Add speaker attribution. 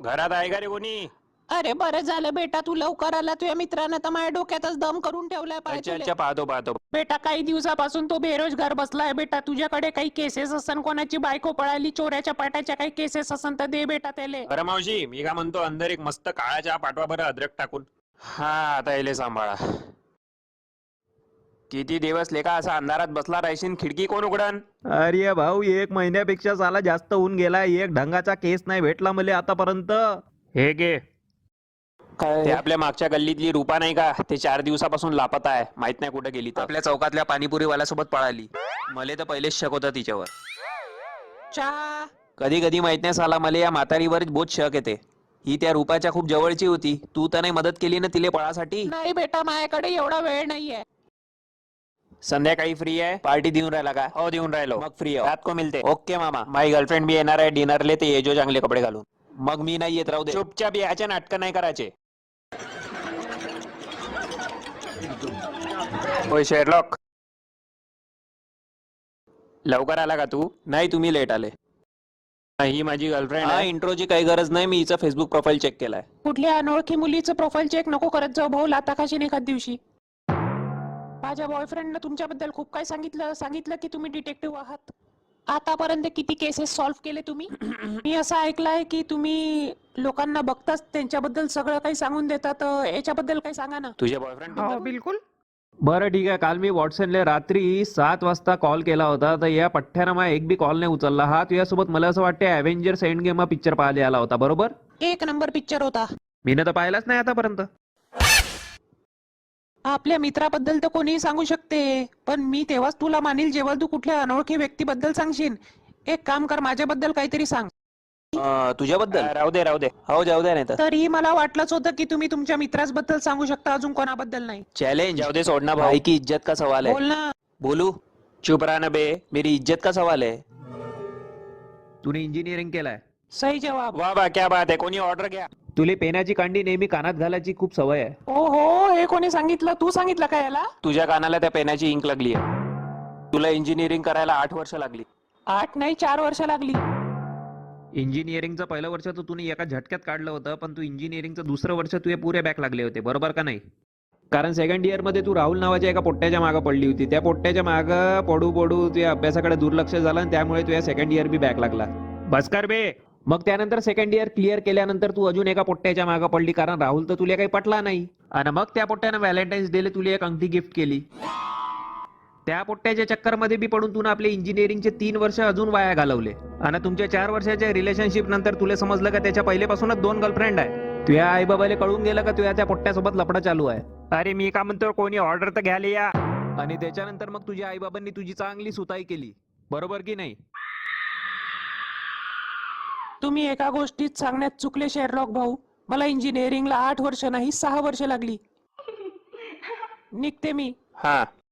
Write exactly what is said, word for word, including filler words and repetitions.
Speaker 1: घरात आहे का रे कोणी?
Speaker 2: अरे बरं झालं बेटा, तू लवकर आला. तुझ्या मित्रानं तर माझ्या डोक्यातच दम करून ठेवलाय. पाय
Speaker 1: अच्छा
Speaker 2: तुले.
Speaker 1: अच्छा, पाहतो पाहतो.
Speaker 2: बेटा काही दिवसापासून तो बेरोजगार बसलाय. बेटा तुझ्याकडे काही केसेस असन, कोणाची बायको पळाली, चोऱ्याच्या पाट्याच्या काही केसेस असन तर दे बेटा त्याले.
Speaker 1: अरे मावशी, मी काय म्हणतो, अंदर एक मस्त काळा चहा पाठवा बरं, अद्रक टाकून. हा, आता येले सांभाळा. किती दिवस लेका असा अंधारात बसला राहशील? खिडकी कोण उघडन?
Speaker 3: अरे भाऊ, एक महिन्यापेक्षा साला जास्त होऊन गेला. एक ढंगाचा केस नाही भेटला मला आतापर्यंत.
Speaker 1: हे गे ते आपल्या मागच्या गल्लीतली रूपा नाही का, ते चार दिवसापासून लापता आहे. माहित नाही कुठे गेली. आपल्या चौकातल्या पाणीपुरी वाल्यासोबत पळाली. मले तर पहिलेच शक होता तिच्यावर.
Speaker 2: चहा.
Speaker 1: कधी कधी माहित नाही साला, मला या म्हातारीवरच बहुत शक येते. ही त्या रूपाच्या खूप जवळची होती. तू तर नाही मदत केली ना तिले पळासाठी?
Speaker 2: नाही बेटा, माझ्याकडे एवढा वेळ नाहीये.
Speaker 1: संध्याकाळी फ्री आहे? पार्टी देऊन राहिला का? हो देऊन राहिलो. मग फ्री आहे, रात को मिलते. ओके मामा. माझी गर्लफ्रेंड भी येणार आहे डिनरले, ते ये जो चांगले कपडे घालून. मग मी नाही येत, राहू दे. चुपचाप याचे नाटक नाही करायचे. होय शेरलॉक, लवकर आला का तू? नाही, तुम्ही लेट आले. ही माझी गर्लफ्रेंड आहे. इंट्रोची काही गरज नाही, मी हिचा फेसबुक प्रोफाईल चेक केलाय.
Speaker 2: कुठल्या अनोळखी मुलीचं प्रोफाईल चेक नको करत जाऊ भाऊ. लाता खाशीन एखाद दिवशी. माझ्या बॉयफ्रेंडनं तुमच्याबद्दल खूप काही सांगितलं सांगितलं की तुम्ही डिटेक्टिव्ह आहात. आतापर्यंत किती केसेस सॉल्व्ह केले तुम्ही? मी असं ऐकलंय की तुम्ही लोकांना बघताच त्यांच्याबद्दल सगळं काही सांगून देतात. याच्याबद्दल काही सांगा ना.
Speaker 1: तुझ्या बॉयफ्रेंड
Speaker 3: हो बिलकुल. बरं ठीक आहे. काल मी व्हॉट्सअपला रात्री सात वाजता कॉल केला होता, तर या पठ्ठ्यानं मला एक बी कॉल नाही उचलला. हा तुझ्यासोबत मला असं वाटतं अव्हेंजर्स एंड गेम हा पिक्चर पाहायला आला होता, बरोबर?
Speaker 2: एक नंबर पिक्चर होता.
Speaker 3: मी तर पाहिलाच नाही आतापर्यंत.
Speaker 2: आपल्या मित्राबद्दल तर कोणीही सांगू शकते, पण मी तेव्हाच तुला मानील जेव्हा तू कुठल्या अनोळखी व्यक्तीबद्दल सांगशील. एक काम कर, माझ्याबद्दल काहीतरी सांग.
Speaker 1: तुझ्याबद्दल? राहू दे राहू दे. हो जाऊ दे. नाही तर
Speaker 2: तरीही मला वाटलंच होतं की तुम्ही तुमच्या मित्राबद्दल सांगू शकता, अजून कोणाबद्दल नाही.
Speaker 1: चैलेंज जाऊ दे, सोडना भाई की इज्जत का सवाल है.
Speaker 2: बोल ना.
Speaker 1: बोलू? चुप रहा ना बे, मेरी इज्जत का सवाल है.
Speaker 3: तूने इंजिनिअरिंग केलाय?
Speaker 2: सही जवाब.
Speaker 1: वाह वाह, क्या बात है. कोणी ऑर्डर घ्या.
Speaker 3: तुले पेनाची कांडी नेहमी कानात घालायची खूप सवय आहे.
Speaker 2: ओ हो, हे कोणी सांगितलं? तू सांगितलं का याला?
Speaker 1: तुझ्या कानाला त्या पेनाची इंक लागली आहे. तुला इंजिनिअरिंग करायला आठ वर्ष लागली.
Speaker 2: आठ नाही, चार वर्ष लागली.
Speaker 3: इंजिनिअरिंगचं पहिलं वर्ष तर तुम्ही एका झटक्यात काढलं होतं, पण तू इंजिनिअरिंगचं दुसरं वर्ष तुझे पुरे बॅक लागले होते, बरोबर का नाही? कारण सेकंड इयर मध्ये तू राहुल नावाच्या एका पोट्ट्याच्या मागं पडली होती. त्या पोट्ट्याच्या मागं पडू पडू तुझ्या अभ्यासाकडे दुर्लक्ष झालं आणि त्यामुळे तुझ्या सेकंड इयर बी बॅक लागला. बस कर बे. मग त्यानंतर सेकंड इयर क्लिअर केल्यानंतर तू अजून एका पोट्ट्याच्या मागं पडली, कारण राहुल तर तुला काही पटला नाही. आणि मग त्या पोट्ट्यानं व्हॅलेंटाईन्स डेला तुला एक अंगठी गिफ्ट केली. त्या पोट्ट्याच्या चक्करमध्ये बी पडून तुला आपले इंजिनिअरिंगचे तीन वर्ष अजून वाया घालवले. आणि तुमच्या चार वर्षाच्या रिलेशनशिप नंतर तुला समजलं का त्याच्या पहिलेपासूनच दोन गर्लफ्रेंड आहे. तुझ्या आई बाबाला कळून गेलं का तुझ्या त्या पोट्ट्यासोबत लफडा चालू आहे. अरे मी का म्हणतो, कोणी ऑर्डर तर घ्यायला या. आणि त्याच्यानंतर मग तुझ्या आई बाबांनी तुझी चांगली सुताई केली, बरोबर की नाही?
Speaker 2: तुम्ही एका गोष्टीत सांगण्यात चुकले शेरलॉक भाऊ. मला इंजिनिअरिंगला आठ वर्ष नाही, सहा वर्ष लागली. निघते मी.
Speaker 1: हा